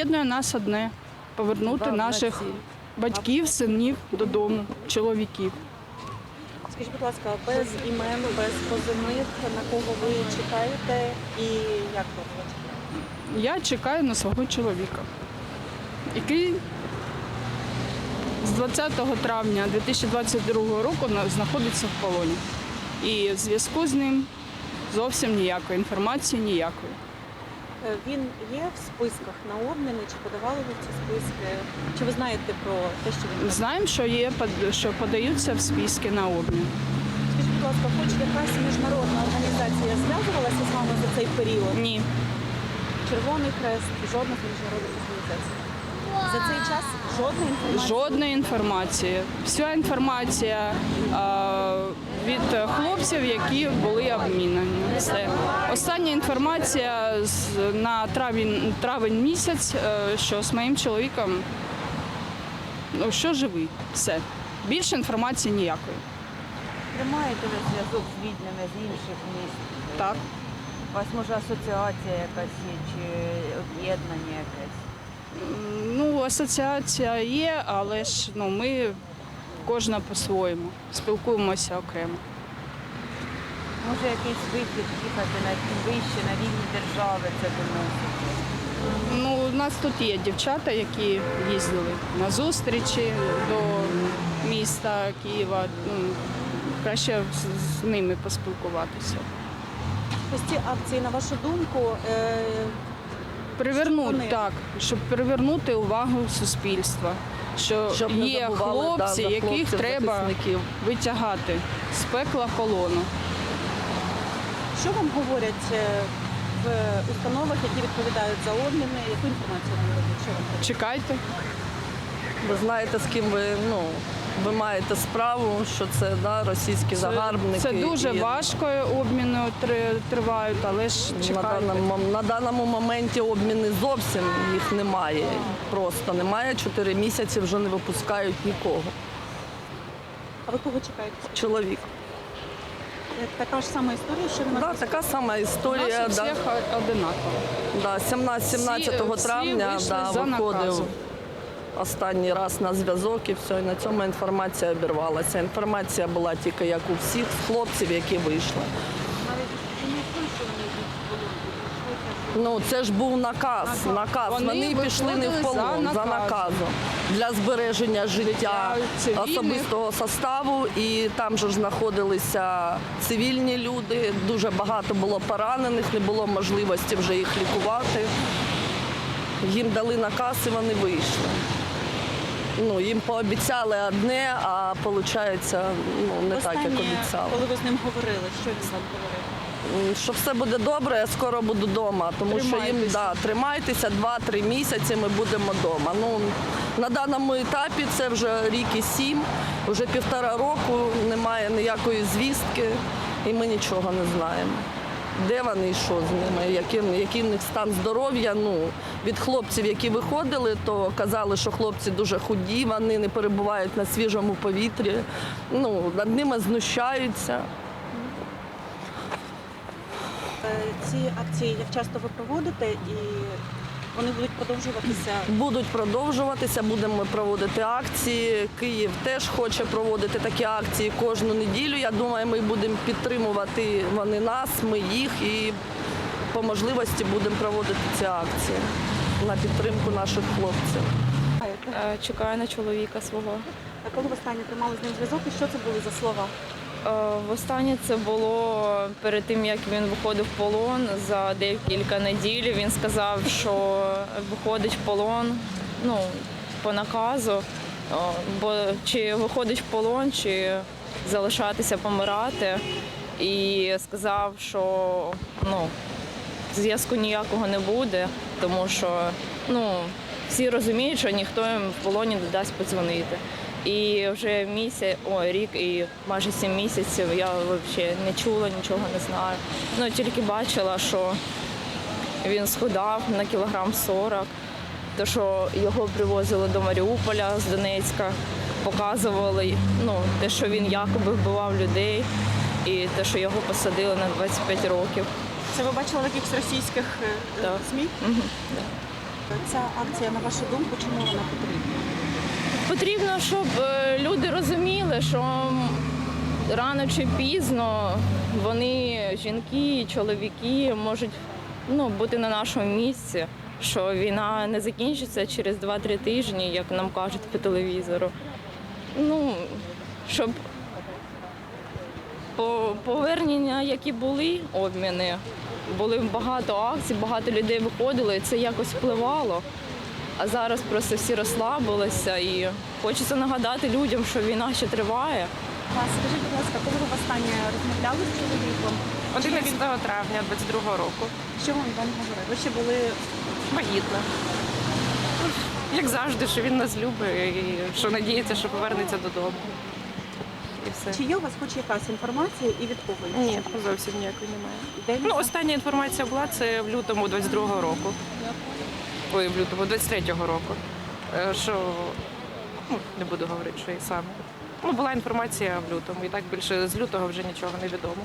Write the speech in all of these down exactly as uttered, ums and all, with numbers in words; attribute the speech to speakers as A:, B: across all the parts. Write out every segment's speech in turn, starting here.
A: об'єднує нас одне – повернути наших батьків, синів додому, чоловіків.
B: Скажіть, будь ласка, без імен, без позивних, на кого ви чекаєте і як ви?
A: Я чекаю на свого чоловіка, який з двадцятого травня дві тисячі двадцять другого року на- знаходиться в полоні. І зв'язку з ним зовсім ніякої, інформації ніякої.
B: Е, Він є в списках на обміни, чи подавали ви в ці списки? Чи ви знаєте про те, що він?
A: Знаємо, що є, под- що подаються в списки на обмін.
B: Скажіть, будь ласка, хоч якась міжнародна організація зв'язувалася з вами за цей період?
A: Ні.
B: Червоний Хрест, жодних міжнародних організацій. За цей час жодної інформації?
A: Жодної інформації. Вся інформація е, від хлопців, які були обмінені. Все. Остання інформація з, на травень, травень місяць, е, що з моїм чоловіком, ну, що живий. Все. Більше інформації ніякої.
C: Тримаєте ви зв'язок з рідними з інших міст?
A: Так.
C: У вас може асоціація якась є чи об'єднання якесь?
A: Ну, асоціація є, але ж ну, ми кожна по-своєму. Спілкуємося окремо.
C: Може якийсь вихід їхати на вище, на рівні держави це доносити?
A: Ну, у нас тут є дівчата, які їздили на зустрічі до міста Києва. Ну, краще з, з ними поспілкуватися.
B: Ось ці акції, на вашу думку, е,
A: Привернути,
B: вони?
A: так, щоб привернути увагу суспільства, що
D: Щоб не
A: є
D: забували, да,
A: хлопці,
D: за
A: яких
D: хлопців,
A: треба
D: захисників.
A: витягати з пекла полону.
B: що вам говорять е, в установах, які відповідають за обміни? Яку інформацію вам дають? Що вам кажуть?
A: Чекайте.
D: Ви знаєте, з ким ви, ну, ви маєте справу, що це да, російські загарбники.
A: Це дуже
D: і
A: важко, обміни три- тривають, але ж
D: На
A: чекайте.
D: даному, на даному моменті обміни зовсім їх немає. Просто немає. Чотири місяці вже не випускають нікого.
B: А ви кого чекаєте?
D: Чоловік.
B: Е, Така ж сама історія, що ви
D: Да,
B: нас
D: така сама
A: У
D: історія.
A: нас у
D: Да,
A: всіх одинаково.
D: да, сімнадцятого
A: Всі-
D: травня
A: всі
D: да,
A: вийшли за
D: виходив
A: наказом.
D: останній раз на зв'язок і все, і на цьому інформація обірвалася. Інформація була тільки як у всіх хлопців, які вийшли. Ну, це ж був наказ. наказ.
A: Вони
D: Вони, пішли не в
A: виходили
D: полон
A: за
D: за
A: наказом.
D: наказом для збереження життя
A: цивільних.
D: особистого составу. І там же ж знаходилися цивільні люди. Дуже багато було поранених, не було можливості вже їх лікувати. Їм дали наказ і вони вийшли. Ну, їм пообіцяли одне, а виходить, ну, не так, як
B: Останнє,
D: обіцяли.
B: коли ви з ним говорили, що він вам говорив?
D: Що все буде добре, я скоро буду вдома, тому що їм
A: Тримайтеся.
D: да, тримайтеся, два-три місяці ми будемо вдома. Ну, на даному етапі це вже рік і сім, вже півтора року, немає ніякої звістки і ми нічого не знаємо. Де вони і що з ними, який, який в них стан здоров'я. Ну, від хлопців, які виходили, то казали, що хлопці дуже худі, вони не перебувають на свіжому повітрі, ну, над ними знущаються.
B: Е, Ці акції як часто ви проводите і вони будуть продовжуватися?
D: Будуть продовжуватися, будемо проводити акції. Київ теж хоче проводити такі акції кожну неділю. Я думаю, ми будемо підтримувати вони нас, ми їх і по можливості будемо проводити ці акції на підтримку наших хлопців.
E: Е, Чекаю на чоловіка свого.
B: А коли ви останнє тримали з ним зв'язок і що це були за слова?
E: Е, Востаннє це було перед тим, як він виходив в полон за декілька неділь. Він сказав, що виходить в полон ну, по наказу, О, бо чи виходить в полон, чи залишатися помирати. І сказав, що ну, зв'язку ніякого не буде, тому що ну, всі розуміють, що ніхто їм в полоні не дасть подзвонити. І вже місяць, ой, рік і майже сім місяців я взагалі не чула, нічого не знаю. Ну, тільки бачила, що він схудав на кілограм сорок, то, що його привозили до Маріуполя з Донецька, показували ну, те, що він якоби вбивав людей, і те, що його посадили на двадцять п'ять років.
B: Це ви бачили в якихось російських е,
E: Так.
B: ЗМІ?
E: Мгм.
B: Ця акція, на вашу думку, чому вона потрібна?
E: Потрібно, щоб е, люди розуміли, що м, рано чи пізно вони, жінки, чоловіки, можуть ну, бути на нашому місці, що війна не закінчиться через два-три тижні, як нам кажуть по телевізору. Ну, щоб по- повернення, які були обміни, були багато акцій, багато людей виходило, і це якось впливало. А зараз просто всі розслабилися і хочеться нагадати людям, що війна ще триває.
B: Вас, скажіть, будь ласка, коли ви востаннє розмовляли з чоловіком?
F: одинадцятого травня двадцять другого року.
B: Що він вам говорив? Ви ще були
F: Вагітна. Як завжди, що він нас любить і що надіється, що повернеться додому. І все.
B: чи є у вас хоч якась інформація і від кого?
F: Ні, зовсім ніякої немає.
B: Де він
F: Ну,
B: сам?
F: остання інформація була це в лютому двадцять другого року. Ой, в лютому двадцять третього року. Е, Що ну, не буду говорити, що і саме. Ну, була інформація в лютому, і так більше з лютого вже нічого не відомо.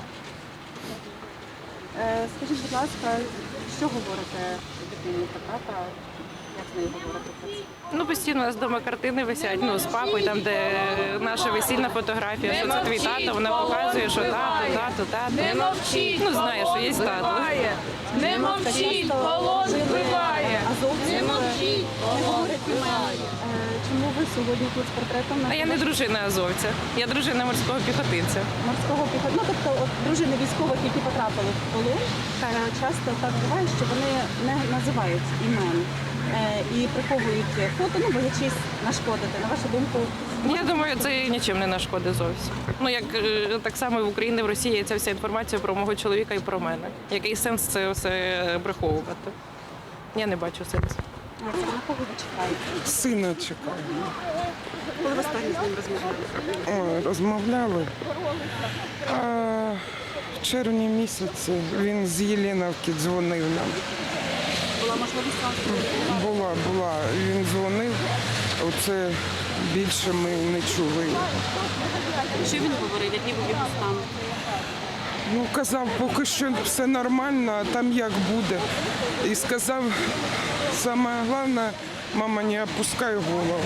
B: Е, Скажіть, будь ласка, що говорите дитині про тата? Як з нею говорите про це?
F: Ну, постійно у нас вдома картини висять, ну, з папою, там, де наша весільна фотографія, що це твій тато, вона показує, що тато, тато, тато.
A: Не мовчіть,
F: Ну, знає, що є тато.
A: Не мовчіть, полон вбиває.
B: Азовці
A: Не мовчіть,
B: не говорять імена. Е, Чому ви сьогодні тут з портретом
F: А я не дружина азовця, я дружина морського піхотинця.
B: морського піхоту? Ну, тобто от, дружини військових, які потрапили в полон, е, часто так буває, що вони не називають імен е, і приховують фото, ну, боячись нашкодити. На вашу думку,
F: Я думаю, це нічим не нашкодить зовсім. Ну, як е, так само в Україні, в Росії є ця вся інформація про мого чоловіка і про мене. Який сенс це все приховувати? Я не бачу сенсу.
B: е, це на кого ви чекаєте?
G: Сина чекаю.
B: Коли ви останній з ним розмовляли?
G: Ой, розмовляли. А в червні місяці він з Єленівки дзвонив нам.
B: Була можливість вам спілкуватися?
G: Була, була. Він дзвонив. Оце більше ми не чули.
B: Що він говорив? Який був його стан?
G: Ну, казав, поки що все нормально, а там як буде. І сказав, саме головне, мама, не опускай голову.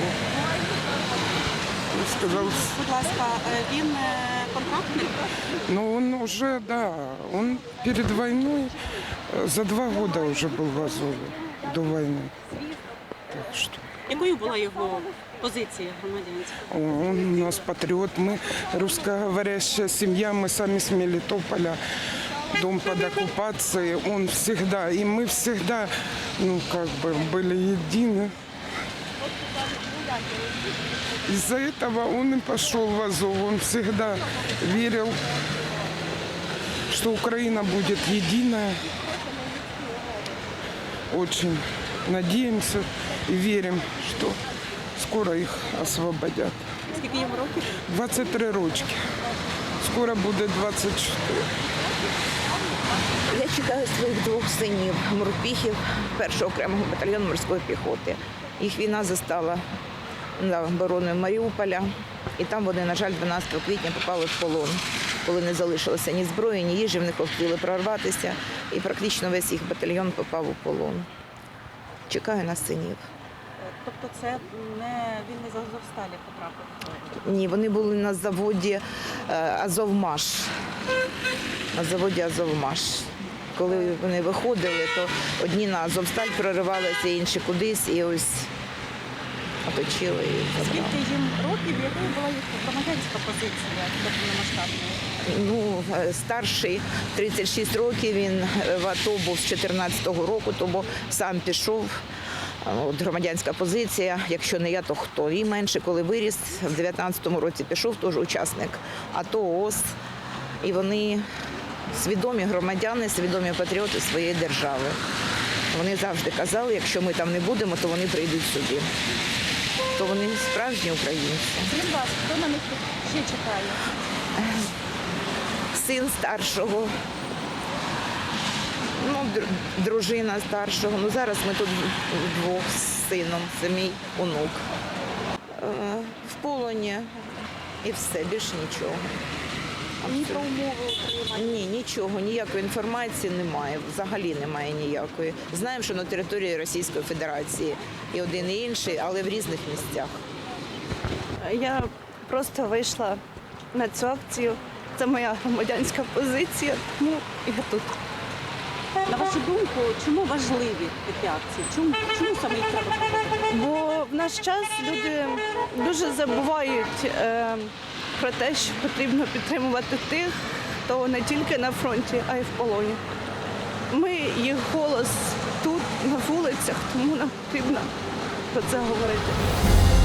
G: І сказав,
B: Будь ласка, е, він е, контрактний?
G: ну он уже, да, он перед войной, э, за два года уже был в Азове, до войны. Так что
B: Якою була його позиція громадянська?
G: он у нас патриот, мы русскоговорящая семья, мы сами с Мелитополя, дом под оккупацией, он всегда, и мы всегда, ну как бы, были едины. Из-за этого он и пошел в Азов, он всегда верил, что Украина будет единая. Очень надеемся и верим, что скоро их освободят.
B: Скільки йому років?
G: двадцять три рочки. Скоро буде двадцять чотири.
H: Я чекаю своїх двох синів, морпіхів першого окремого батальйону морської піхоти. Їх війна застала на оборони Маріуполя, і там вони, на жаль, дванадцятого квітня попали в полон, коли не залишилося ні зброї, ні їжі, в них хотіли прорватися, і практично весь їх батальйон попав у полон. Чекаю на синів.
B: Тобто це не він не з Азовсталі потрапив?
H: Ні, вони були на заводі е, Азовмаш. На заводі Азовмаш. Коли вони виходили, то одні на Азовсталь проривалися, інші кудись, і ось оточили і забрали.
B: Скільки їм років, якою була їх громадянська позиція до повномасштабної?
H: Ну, е, старший тридцять шість років, він в АТО був з чотирнадцятого року, тому сам пішов. От громадянська позиція, якщо не я, то хто? І менше, коли виріс, в дев'ятнадцятому році пішов, теж учасник АТО, ООС. І вони свідомі громадяни, свідомі патріоти своєї держави. Вони завжди казали, якщо ми там не будемо, то вони прийдуть сюди. То вони справжні українці.
B: Скажіть, будь ласка, хто на них ще чекає?
H: Син старшого, ну, др- дружина старшого. Ну, зараз ми тут вдвох з сином, це мій онук. Е, В полоні і все, більш нічого.
B: Ні про умови отримання.
H: Ні, нічого, ніякої інформації немає, взагалі немає ніякої. Знаємо, що на території Російської Федерації і один і інший, але в різних місцях.
I: Я просто вийшла на цю акцію. Це моя громадянська позиція, тому я тут.
B: На вашу думку, чому важливі такі акції? Чому, чому саме їх треба проводити?
I: Бо в наш час люди дуже забувають е, про те, що потрібно підтримувати тих, хто не тільки на фронті, а й в полоні. Ми їх голос тут, на вулицях, тому нам потрібно про це говорити.